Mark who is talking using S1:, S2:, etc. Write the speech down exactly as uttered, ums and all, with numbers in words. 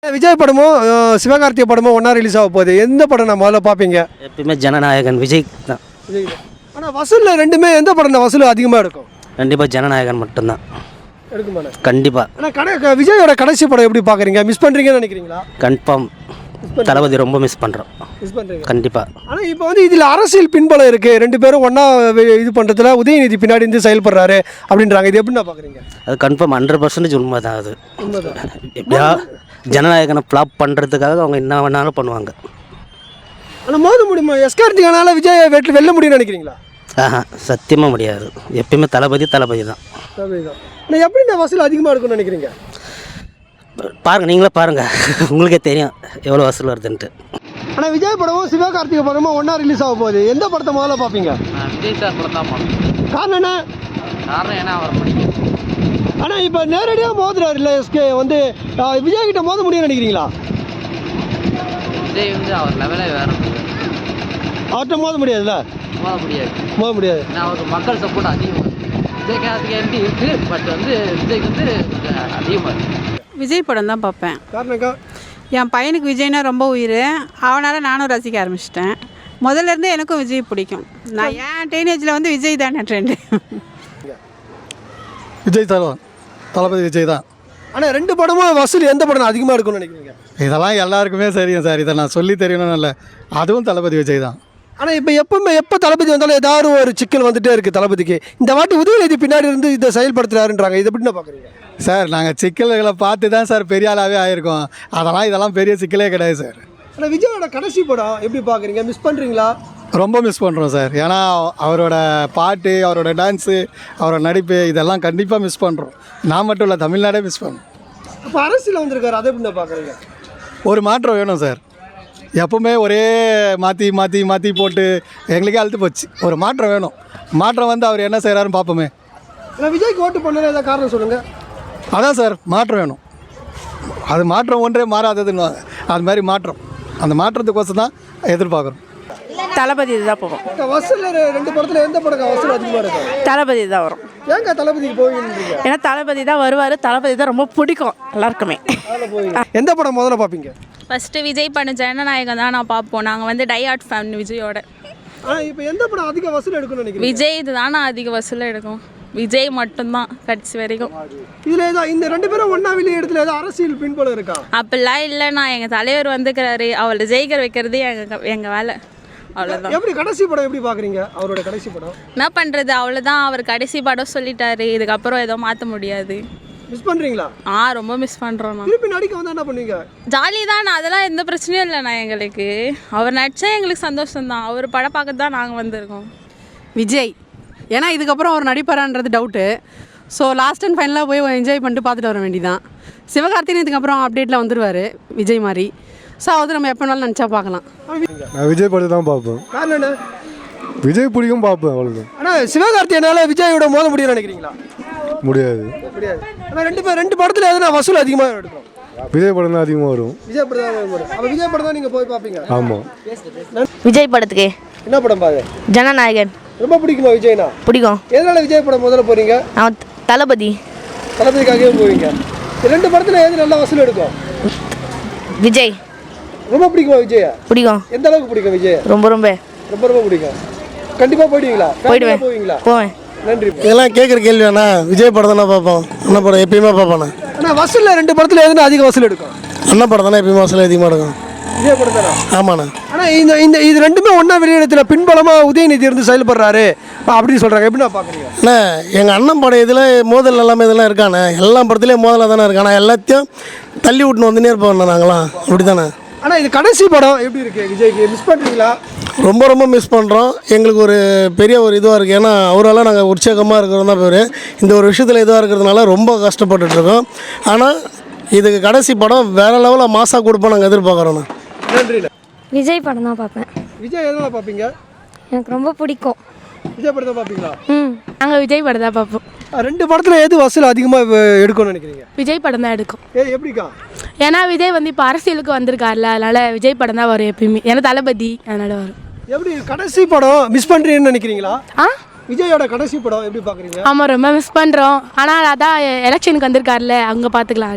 S1: விஜய் படமும் சிவகார்த்திகை படமும் ஒன்றா ரிலீஸ் ஆக போகுது. எந்த படம் நான் முதல்ல பார்ப்பீங்க?
S2: எப்பயுமே ஜனநாயகன் விஜய் தான்.
S1: விஜய் தான். ஆனால் வசூலில் ரெண்டுமே எந்த படம் தான் வசூல் அதிகமாக இருக்கும்?
S2: கண்டிப்பாக ஜனநாயகன் மட்டும்தான்
S1: எடுக்குமாண்ணே?
S2: கண்டிப்பாக.
S1: ஆனால் கடை விஜயோட கடைசி படம் எப்படி பார்க்குறீங்க? மிஸ் பண்ணுறீங்கன்னு நினைக்கிறீங்களா?
S2: கன்ஃபார்ம் தளபதி ரொம்ப மிஸ் பண்ணுறோம்.
S1: மிஸ் பண்ணுறீங்க
S2: கண்டிப்பாக.
S1: ஆனால் இப்போ வந்து இதில் அரசியல் பின்பலம் இருக்குது. ரெண்டு பேரும் ஒன்றா இது பண்ணுறதுல உதயநிதி பின்னாடி இருந்து செயல்படுறாரு அப்படின்றாங்க. இது எப்படி நான் பார்க்குறீங்க?
S2: அது கன்ஃபார்ம் ஹண்ட்ரட் பர்சன்டேஜ் உண்மை தான். அது
S1: உண்மைதான்.
S2: எப்படியா ஜனநாயகனை ஃப்ளாப் பண்ணுறதுக்காக அவங்க என்ன வேணாலும் பண்ணுவாங்க.
S1: ஆனால் மோத முடியுமா? எஸ்கார்த்திகனால விஜய் வெற்றி வெல்ல முடியும்னு நினைக்கிறீங்களா?
S2: ஆஹா, சத்தியமாக முடியாது. எப்பயுமே தளபதி தளபதி தான்.
S1: தளபதி தான். ஆனால் எப்படி இந்த வசூல் அதிகமாக இருக்கும்னு நினைக்கிறீங்க?
S2: பாருங்கள், நீங்களே பாருங்கள், உங்களுக்கே தெரியும் எவ்வளோ வசூல் வருதுன்ட்டு.
S1: ஆனால் விஜய் படமும் சிவகார்த்திகை படமும் ஒன்றா ரிலீஸ் ஆக போகுது. எந்த படத்தை முதல்ல பார்ப்பீங்க?
S3: விஜய் சார் படம் தான் பார்ப்போம்.
S1: காரணம் என்ன?
S3: காரணம் ஏன்னா அவர் பிடிக்கும்.
S1: ஆனால் இப்போ நேரடியாக மோதுறாரு இல்லை எஸ்கே வந்து விஜய் கிட்ட மோத முடியும்னு நினைக்கிறீங்களா?
S3: விஜய் வந்து அவர் லெவலே வேறு.
S1: அவர்கிட்ட மோத முடியாதுல்ல?
S3: மோத முடியாது.
S1: மோத முடியாது.
S3: ஏன்னா அவருக்கு மக்கள் சப்போர்ட் அதிகமாக விஜய்க்கு அதுக்கு எப்படி இருக்குது. பட் வந்து விஜய்க்கு வந்து கொஞ்சம் அதிகமாக இருக்குது.
S4: விஜய் படம் தான் பார்ப்பேன்.
S1: காரணக்கா
S4: என் பையனுக்கு விஜய்னா ரொம்ப உயிர். அவனால் நானும் ரசிக்க ஆரம்பிச்சிட்டேன். முதல்ல இருந்தே எனக்கும் விஜய் பிடிக்கும். நான் ஏன் டீனேஜில் வந்து விஜய் தானே ட்ரெண்டு.
S5: விஜய் தான், தளபதி விஜய் தான்.
S1: ஆனால் ரெண்டு படமும் வசூல் எந்த படம் அதிகமாக இருக்கும்னு நினைக்கிறீங்க?
S5: இதெல்லாம் எல்லாருக்குமே தெரியும் சார். இதை நான் சொல்லி தெரியணும்னு இல்லை, அதுவும் தளபதி விஜய் தான்.
S1: ஆனால் இப்போ எப்பவுமே எப்போ தளபதி வந்தாலும் ஏதாவது ஒரு சிக்கல் வந்துகிட்டே இருக்குது தளபதிக்கு. இந்த வாட்டி உதயநிதி பின்னாடி இருந்து இதை செயல்படுத்துறாருன்றாங்க. இதை எப்படி நான் பார்க்குறீங்க?
S5: சார் நாங்கள் சிக்கல்களை பார்த்து தான் சார் பெரிய ஆளாகவே ஆகிருக்கோம். அதெல்லாம் இதெல்லாம் பெரிய சிக்கலே கிடையாது சார்.
S1: ஆனால் விஜயோட கடைசி படம் எப்படி பார்க்குறீங்க? மிஸ் பண்ணுறீங்களா?
S5: ரொம்ப மிஸ் பண்ணுறோம் சார். ஏன்னா அவரோட பாட்டு, அவரோட டான்ஸு, அவரோட நடிப்பு இதெல்லாம் கண்டிப்பாக மிஸ் பண்ணுறோம். நான் மட்டும் இல்லை, தமிழ்நாடே மிஸ் பண்ணுறோம்.
S1: இப்போ அரசியல் வந்திருக்காரு, அதை எப்படி நான் பார்க்குறீங்க?
S5: ஒரு மாற்றம் வேணும் சார். எப்பவுமே ஒரே மாற்றி மாற்றி மாற்றி போட்டு எங்களுக்கே அழுத்து போச்சு. ஒரு மாற்றம் வேணும். மாற்றம் வந்து அவர் என்ன செய்கிறாருன்னு பார்ப்போமே.
S1: ஆனால் விஜய்க்கு ஓட்டு பண்ணல ஏதாவது காரணம் சொல்லுங்கள்.
S5: அதான் சார், மாற்றம் வேணும். அது மாற்றம் ஒன்றே மாறாததுன்னு அது மாதிரி மாற்றம். அந்த மாற்றத்துக்கோசம் தான் எதிர்பார்க்குறோம்.
S4: தளபதி தான் போவோம்.
S1: வசூல் ரெண்டு படத்தில் எந்த படம் வசூல் அதிகமாக இருக்கும்?
S4: தளபதி தான் வரும்.
S1: ஏங்க தளபதிக்கு போவீங்க?
S4: ஏன்னா தளபதி தான் வருவார். தளபதி தான் ரொம்ப பிடிக்கும் எல்லாருக்குமே.
S1: எந்த படம் முதல்ல பார்ப்பீங்க?
S6: ஃபஸ்ட்டு விஜய் பண்ண ஜனநாயகம் தான் நான் பார்ப்போம். நாங்கள் வந்து டை ஆர்ட் ஃபேன் விஜயோட.
S1: ஆனால் இப்போ எந்த படம் அதிக வசூல் எடுக்கணும்னு நினைக்கிறீங்க?
S6: விஜய் இது தானே அதிக வசூல் எடுக்கும். விஜய் மட்டும்தான் கடைசி வரைக்கும்.
S1: இதில் ஏதோ இந்த ரெண்டு பேரும் ஒன்றா வெளியே இடத்துல ஏதோ அரசியல் பின்புலம் இருக்கா?
S6: அப்படிலாம் இல்லைண்ணா. எங்கள் தலைவர் வந்துக்கிறாரு, அவளை ஜெயிக்கிற வைக்கிறது எங்கள் எங்கள் வேலை. அவ்வளோதான்.
S1: எப்படி கடைசி படம் எப்படி பார்க்குறீங்க? அவரோட கடைசி படம்
S6: என்ன பண்ணுறது, அவ்வளோதான். அவர் கடைசி படம் சொல்லிட்டாரு. இதுக்கப்புறம் ஏதோ மாற்ற முடியாது.
S1: மிஸ் பண்ணுறீங்களா?
S6: ஆ, ரொம்ப மிஸ் பண்ணுறோம். நான்
S1: திருப்பி நடிக்க வந்தால் என்ன பண்ணுவீங்க?
S6: ஜாலி தான். அதெல்லாம் எந்த பிரச்சனையும் இல்லைண்ணா எங்களுக்கு. அவர் நடித்தா எங்களுக்கு சந்தோஷம்தான். அவர் படம் பார்க்க தான் நாங்கள் வந்திருக்கோம்.
S4: விஜய் ஏன்னா இதுக்கப்புறம் அவர் நடிப்பாரான்றது டவுட்டு. ஸோ லாஸ்ட் அண்ட் ஃபைனலாக போய் என்ஜாய் பண்ணிட்டு பார்த்துட்டு வர வேண்டியதான். சிவகார்த்திகேயன் இதுக்கப்புறம் அப்டேட்டில் வந்துடுவார் விஜய் மாதிரி. ஸோ அது நம்ம எப்போ வேணாலும் நினச்சா பார்க்கலாம்.
S5: நான் விஜய் படத்தை தான் பார்ப்பேன்.
S1: காரணம் என்ன?
S5: விஜய் பிடிக்கும், பார்ப்பேன், அவ்வளோதான்.
S1: ஆனால் சிவகார்த்திகேயனால விஜயோட மோத முடியும்னு நினைக்கிறீங்களா?
S5: முடியாது.
S1: முடியாது. ஆனால் ரெண்டு பேர் ரெண்டு படத்தில் எதுனா வசூல் அதிகமாக எடுக்கும்?
S5: விஜய் படம் தான் அதிகமாக வரும்.
S1: விஜய் படம் தான் வரும். அப்போ விஜய் படம் தான் நீங்கள் போய் பார்ப்பீங்க?
S5: ஆமாம்.
S7: விஜய் படத்துக்கு
S1: என்ன படம் பாரு?
S7: ஜனநாயகன்
S1: ரொம்ப பிடிக்குமா விஜய்னா?
S7: பிடிக்கும்.
S1: எதனால விஜய் படம் முதல்ல போறீங்க?
S7: நான் தளபதி
S1: தளபதிக்காகவே போவீங்க. ரெண்டு படத்துல எது நல்லா வசூல் எடுக்கும்?
S7: விஜய்.
S1: ரொம்ப பிடிக்குமா விஜய்?
S7: பிடிக்கும்.
S1: எந்த அளவுக்கு பிடிக்கும் விஜய்?
S7: ரொம்ப ரொம்ப
S1: ரொம்ப ரொம்ப பிடிக்கும். கண்டிப்பா போயிடுவீங்களா?
S7: போயிடுவேன்.
S1: போவீங்களா?
S7: போவேன்.
S1: நன்றி.
S5: இதெல்லாம் கேட்குற கேள்வி வேணா. விஜய் படம் தானே பார்ப்போம். அண்ணா படம் எப்பயுமே பார்ப்பேன்.
S1: ஆனால் வசூலில் ரெண்டு படத்தில் எதுனா அதிக வசூல் எடுக்கும்?
S5: அண்ணா படம் தானே எப்பயுமே வசூல் அதிகமாக எடுக்கும்.
S1: விஜய் படம் தானே?
S5: ஆமாண்ணா.
S1: ஆனால் இந்த இந்த இது ரெண்டுமே ஒன்றா வெளியிடத்தில் பின்பலமாக உதயநிதி இருந்து செயல்படுறாரு அப்படின்னு சொல்கிறாங்க. எப்படி நான் பார்க்குறீங்க?
S5: அண்ணா எங்கள் அண்ணன் படம் இதில் மோதல் எல்லாமே இதெல்லாம் இருக்காண்ணே. எல்லா படத்துலேயும் மோதலாக தானே இருக்காண்ணா. எல்லாத்தையும் தள்ளி விட்டுன்னு வந்துனே இருப்போம் நாங்களாம். அப்படி தானே.
S1: ஆனால் இது கடைசி படம் எப்படி இருக்குது விஜய்க்கு? மிஸ் பண்ணுறீங்களா?
S5: ரொம்ப ரொம்ப மிஸ் பண்ணுறோம். எங்களுக்கு ஒரு பெரிய ஒரு இதுவாக இருக்குது. ஏன்னா அவரால் நாங்கள் உற்சாகமாக இருக்கிறோம் தான் பேர். இந்த ஒரு விஷயத்தில் இதுவாக இருக்கிறதுனால ரொம்ப கஷ்டப்பட்டுட்ருக்கோம். ஆனால் இதுக்கு கடைசி படம் வேறு லெவலில் மாசாக கொடுப்போம் நாங்கள் எதிர்பார்க்குறோண்ணா.
S1: நன்றி.
S7: விஜய் படம் தான் பார்ப்பேன்.
S1: விஜய் எதனால் பார்ப்பீங்க?
S7: எனக்கு ரொம்ப பிடிக்கும்.
S1: விஜய் படம் தான் பார்ப்பீங்களா?
S4: ம் நாங்கள் விஜய் படம் தான் பார்ப்போம்.
S1: ரெண்டு படத்தில் எது வசூல் அதிகமாக எடுக்கும்னு நினைக்கிறீங்க?
S4: விஜய் படம் தான் எடுக்கும்.
S1: ஏ எப்படிக்கா?
S4: ஏன்னா விஜய் வந்து இப்போ அரசியலுக்கு வந்திருக்காருல, அதனால் விஜய் படம் தான் வரும் எப்பயுமே. ஏன்னா தளபதி அதனால் வரும்.
S1: எப்படி கடைசி படம் மிஸ் பண்ணுறீங்கன்னு நினைக்கிறீங்களா?
S4: ஆ
S1: விஜயோட கடைசி படம் எப்படி பார்க்குறீங்க?
S4: ஆமாம், ரொம்ப மிஸ் பண்ணுறோம். ஆனால் அதான் எலெக்ஷனுக்கு வந்திருக்காருல, அங்கே பார்த்துக்கலாம்.